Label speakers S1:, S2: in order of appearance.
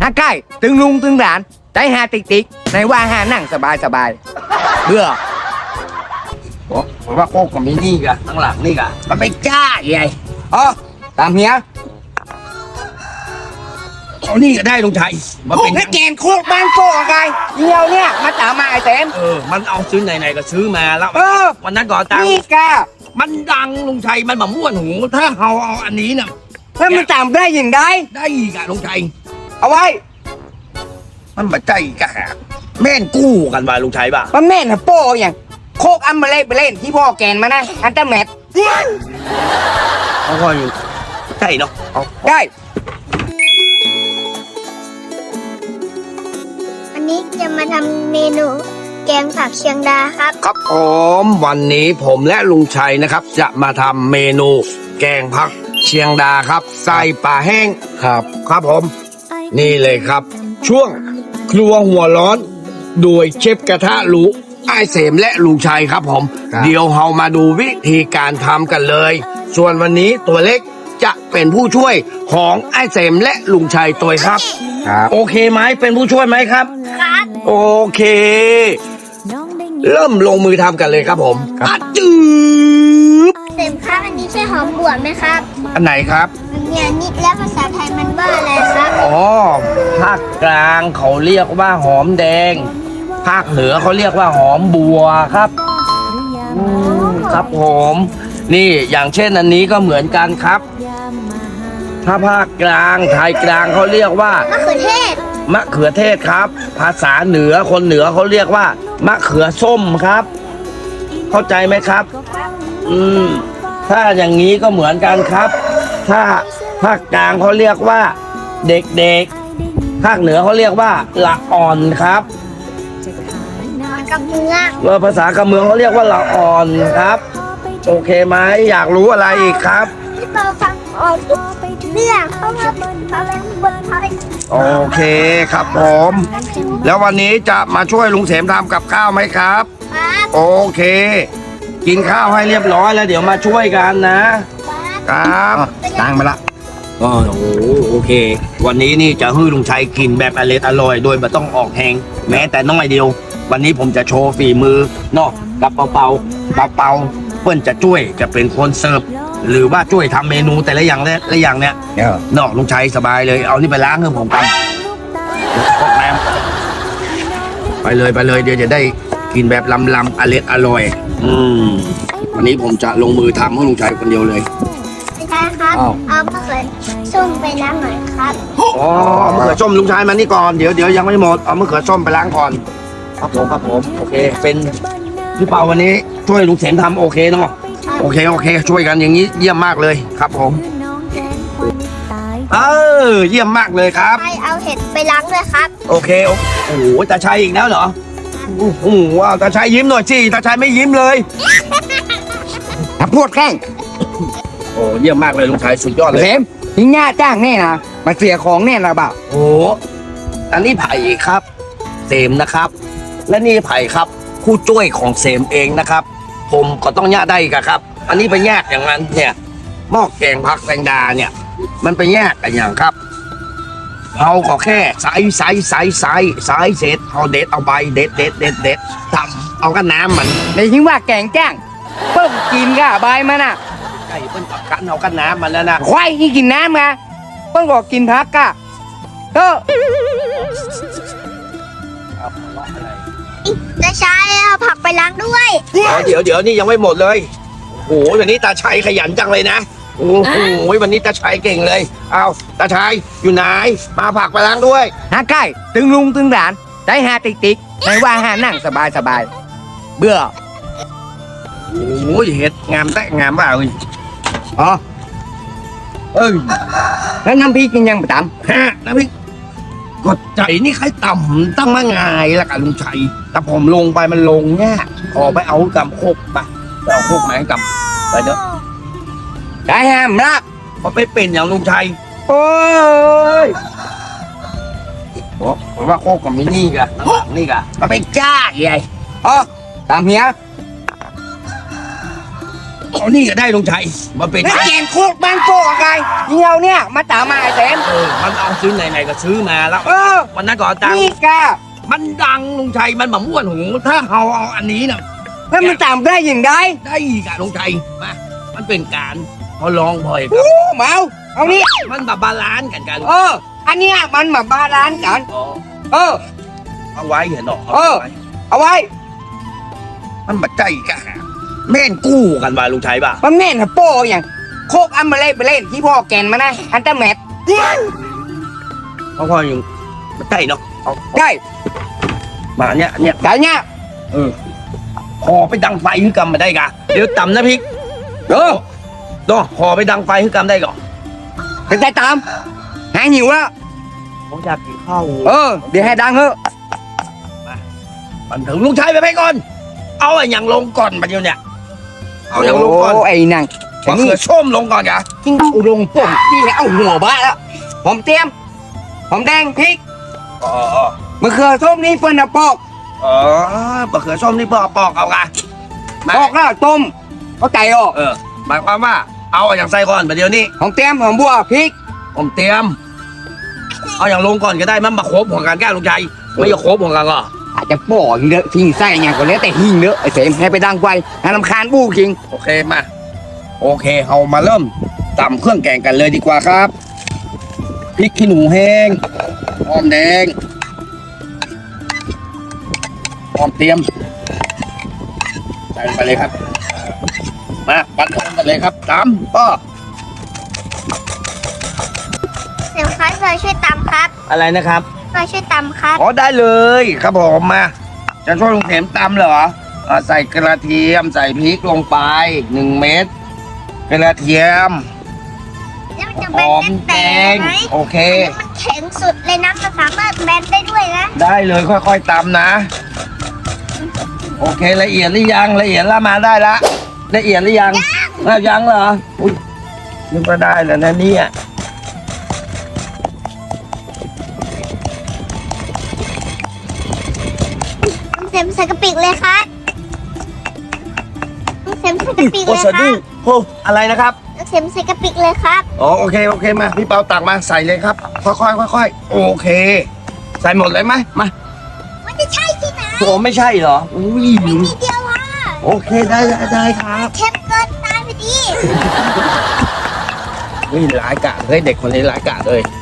S1: ใกล้ตึงลุงตึงหลานใจหาติ๊กติ๊กในว่าหานั่งสบายสบายเบื่อผมว่าโคกกับมินี่กะข้างหลังนี่กะมันไม่กล้าใหญ่อ๋อตามเฮียเอานี่ก็ได้ลุงชัยมาเป็นแกนโคกบ้านโคกอะไรเดียวเนี่ยมาตามมาไอ้เต็ม
S2: มันเอาซื้อไหนๆก็ซื้อมาแล้ววันนั้นก่อนตัง
S1: นี่กะ
S2: มันดังลุงชัยมันมาม่วนหูถ้าเอาอันนี้น่ะ
S1: แล้วมันตามได้ยังไง
S2: ได้อีกอะลุงชัย
S1: เอาไว้
S2: มันมาใจกะแม่นกู้กันว่าลุงชัยป่ะ
S1: มันแม่นฮะโป้อย่างโคกอัมเบเล่ไปเล่นที่พ่อแกนมานะอันเตอร์แมท
S2: เขาก็อยู่ใช่เนาะ
S1: ได้
S3: วันนี้จะมาทำเมนูแกงผักเชียงดาครับ
S2: ครับผมวันนี้ผมและลุงชัยนะครับจะมาทำเมนูแกงผักเชียงดาครับใส่ปลาแห้งครับผมนี่เลยครับช่วงครัวหัวร้อนโดยเชฟกระทะหรูไอ้เสมและลุงชัยครับผมเดี๋ยวเรามาดูวิธีการทำกันเลยส่วนวันนี้ตัวเล็กจะเป็นผู้ช่วยของไอ้เสมและลุงชัยตัวครับโอเคไหมเป็นผู้ช่วยไหมครับ
S3: ครับ
S2: โอเคเริ่มลงมือทำกันเลยครับผมจืบ
S3: เสมครับอันนี้ใช่หอมบวชไหมครับ
S2: อันไหนครับ
S3: เนี่ยนี่แล้วภาษาไทยมันว่าอะไรครับ
S2: อ๋อภาคกลางเขาเรียกว่าหอมแดงภาคเหนือเขาเรียกว่าหอมบัวครับครับผมนี่อย่างเช่นอันนี้ก็เหมือนกันครับถ้าภาคกลางไทยกลางเขาเรียกว่ามะเขือเทศครับภาษาเหนือคนเหนือเขาเรียกว่ามะเขือส้มครับเข้าใจไหมครับถ้าอย่างนี้ก็เหมือนกันครับถ้าภาคกลางเขาเรียกว่าเด็กๆภาคเหนือเขาเรียกว่าละอ่อนครับภาษากำเมืองเขาเรียกว่าละอ่อนครับโอเคไหมอยากรู้อะไรอีกครับ
S3: ที่เราฟังออกทุกเรื่องเพราะว่าเขาเล่นบนไทย
S2: โอเคครับผมแล้ววันนี้จะมาช่วยลุงเสมทำกับข้าวไหมครับโอเคกินข้าวให้เรียบร้อยแล้วเดี๋ยวมาช่วยกันนะครับตั้งมาละโอเควันนี้นี่จะให้ลุงชัยกินแบบอร่อยโดยไม่ต้องออกแหงแม้แต่น้อยเดียววันนี้ผมจะโชว์ฝีมือเนาะกับเปาเพื่อนจะช่วยจะเป็นคนเสิร์ฟหรือว่าช่วยทำเมนูแต่ละอย่างเนี้ยนอกลุงชัยสบายเลยเอานี่ไปล้างให้ผมกันพกน้ำไปเลยเดี๋ยวจะได้กินแบบลำอร่อยวันนี้ผมจะลงมือทำให้ลุงชัยคนเดียวเลย
S3: ใช่ครับเอามะเขือส้มไปล้างหน่อยครับ
S2: อ๋อมะเขือส้มลุงชัยมานี่ก่อนเดี๋ยวยังไม่หมดเอามะเขือส้มไปล้างก่อนครับผมโอเคเป็นพี่เปาวันนี้ช่วยลุงเสมทำโอเคเนาะโอเคช่วยกันอย่างนี้เยี่ยมมากเลยครับผมเยี่ยมมากเลยครับ
S3: ใครเอาเห็ดไปล้างเลยครับ
S2: โอเคโอ้โหตาชัยอีกแล้วเหรอโอ้โหตาชัยยิ้มหน่อยสิตาชัยไม่ยิ้มเลย
S1: พูดแกล้ง
S2: โอ้เยี่ยมมากเลยลุงชัยสุดยอดเลย
S1: เสมทิ้งหน้าจ้างแน่นะมาเสียของแน่นะบ่าว
S2: โอ้อันนี้ไผ่ครับเสมนะครับและนี่ไผ่ครับผู้ช่วยของเสมเองนะครับผมก็ต้องแยกได้กันครับอันนี้ไปแยกอย่างนั้นเนี่ยหม้อแกงผักแตงดาเนี่ยมันไปแยกกันอย่างครับเราก็แค่ใส่เสร็จเอาเด็ดเอาใบเด็ดทำเอากันน้ำมัน
S1: ในทิ้งว่าแกงจ้างเพิ่มกินก็ใบมันอ่ะ
S2: ไก่เพิ่นกับกันเอากันน้ำมันแล้วนะ
S1: ควายที่กินน้ำไงเพิ่งบอกกินพักก็
S3: ตาชัยเอาผักไปล้างด้วย
S2: เดี๋ยวนี่ยังไม่หมดเลยโอ้โหวันนี้ตาชัยขยันจังเลยนะโอ้โหวันนี้ตาชัยเก่งเลยเอาตาชัยอยู่ไหนมาผักไปล้างด้วย
S1: ใกล้ตึงลุงตึงหลานใจหาติ๊กในว่าหานั่งสบายเบื่อ
S2: โอ้ยเห็ดงามแต่งามเปล่า
S1: แล้วน้ำพริกกินยังไปต
S2: ำน้ำพริกกดใจนี่ใครต่ำตั้งมาง่ายละกันลุงชัยแต่ผมลงไปมันลงแง่ขอไปเอากำโคกไปเอาโคกไหมกำไปเถอะ
S1: ได้ห้ามรัก
S2: พอไปเป็นอย่างลุงชัย
S1: โอ้ย
S2: ผมว่าโคกกับมินี่กะนี่กะ
S1: มันไม่กล้าใหญ่ตามเฮีย
S2: เอานี่ก็ได้ลุงชัยมาเป็น
S1: แล้วแกนโคกบ้านโกะไงเหี่ยวเนี่ยมาตามมาไอ้เสม
S2: มันเอาซื้อไหนๆก็ซื้อมาแล้ว
S1: เออ
S2: วันนั้นก็เอาตังค์
S1: นี่กะ
S2: มันดังลุงชัยมันแบบม่วนหูถ้าเอาอันนี้น่ะ
S1: แล้วมันตามได้ยังไง
S2: ได้อีกอะลุงชัยมามันเป็นการพอลองบ่อยครั
S1: โอ้
S2: บ
S1: เมาเอานี่
S2: มันแบบบาลานซ์กัน
S1: เออ อันเนี้ยมันมาบาลานซ์กัน
S2: อ๋อ
S1: เออ
S2: เอาไว้เห็นหรอ
S1: เออ เอาไว้
S2: มันบัดใจกันแม่นกู้กันว่าลุงชัยป่ะ
S1: มันแม่นฮะโป้อย่างโคกอัมเบเล่ไปเล่นที่พ่อแกนมานะอันเตอร์แมท
S2: เพราะพ่อยังบัดใจเนาะเอา
S1: ได้
S2: มาเนี่ย
S1: แต่เนี้ย
S2: พอไปดังไฟคือกรรมมาได้กะเดี๋ยวต่ำนะพี่
S1: เออ
S2: โดพอไปดังไฟคือกรรมได้ก่อน
S1: เป็นใจตามหายหิวแล้ว
S2: ผมอยากกินข้าว
S1: เออ เดี๋ยวให้ดังเถอะ
S2: มันถึงลุงชัยไปก่อน เอาไอ้อย่างลงก่อนมาเดียวเนี่ย เอาอย่างลงก่อน
S1: โไอ้นัง
S2: มะเขือส้มลงก่อนกะ
S1: ทิ้งอุดงป่งนี่ให้เอาหัวบ้าแล้วผมเตรียมผมแดงพริก
S2: อ๋อ
S1: มะเขือส้มนี่เฟิร์นปอก
S2: อ๋อมะเขือส้มนี่เพื่อปอกเอากะ
S1: ปอกแล้วต้มเอาไก่ออก
S2: หมายความว่าเอาอย่างใส่ก่อนมาเดียวนี้
S1: ผมเตรียมผมบัวพริก
S2: ผมเตรียม เอาอย่างลงก่อนก็ได้มันมาครบของกันแก้ลุงชัยไม่จะครบของกันก็
S1: อาจจะปอกเยอะทิ้งไส้อย่างก็แล้วแต่หิ้งเนอะไอ้เสมให้ไปดังไฟให้ลำคาญบู้คิง
S2: โอเคมาโอเคเอามาเริ่มตำเครื่องแกงกันเลยดีกว่าครับพริกขี้หนูแห้งหอมแดงหอมเตรียมใส่ลงไปเลยครับมาปั่นกันเลยครับตำป้อ
S3: เดี๋ยวครับเราช่วยตำครับ
S2: อะไรนะครับ
S3: เราช่วยตำครับ
S2: อ๋อได้เลยครับผมมาจะช่วยลุงเข็มตำเหรอใส่กระเทียมใส่พริกลงไป1 เม็ดกระเทียม
S3: แล้วมันจะ
S2: ห
S3: แบ
S2: อน ม
S3: แต
S2: แด
S3: ก
S2: ง
S3: ไหม
S2: โอเค
S3: มันแข็งสุดเลยนะมันสามารถแบนได้ด้วยนะ
S2: ได้เลยค่อยๆตำนะ โอเคละเอียดหรือยังละเอียดละมาได้ละละเอียดหรือยังยังเหรออุ้ยนึกว่าได้แล้วนะเนี่ย
S3: น้องเซมใส่กระปิกเลยครับน้องเซมใส่กระปิก
S2: โอ้
S3: เลย
S2: สะ
S3: ค
S2: ดุ้
S3: รั
S2: ง
S3: บ
S2: โอ้อะไรนะครับ
S3: น้องเซมใส่กระปิกเลยครับ
S2: อ๋อโอเคมาพี่เปาตักมาใส่เลยครับค่อยๆค่อยๆโอเค ใส่หมดเลยไหมมา
S3: มันจะใช่ที่ไหน
S2: โอ้ไม่ใช่เหรออุ้ย
S3: มีทีเดียวอ่ะ
S2: โอเคได้ครับ
S3: เค็มเกินตายไปดิ
S2: นี่หลายกะเฮ้ยเด็กคนนี้หลายกะเลย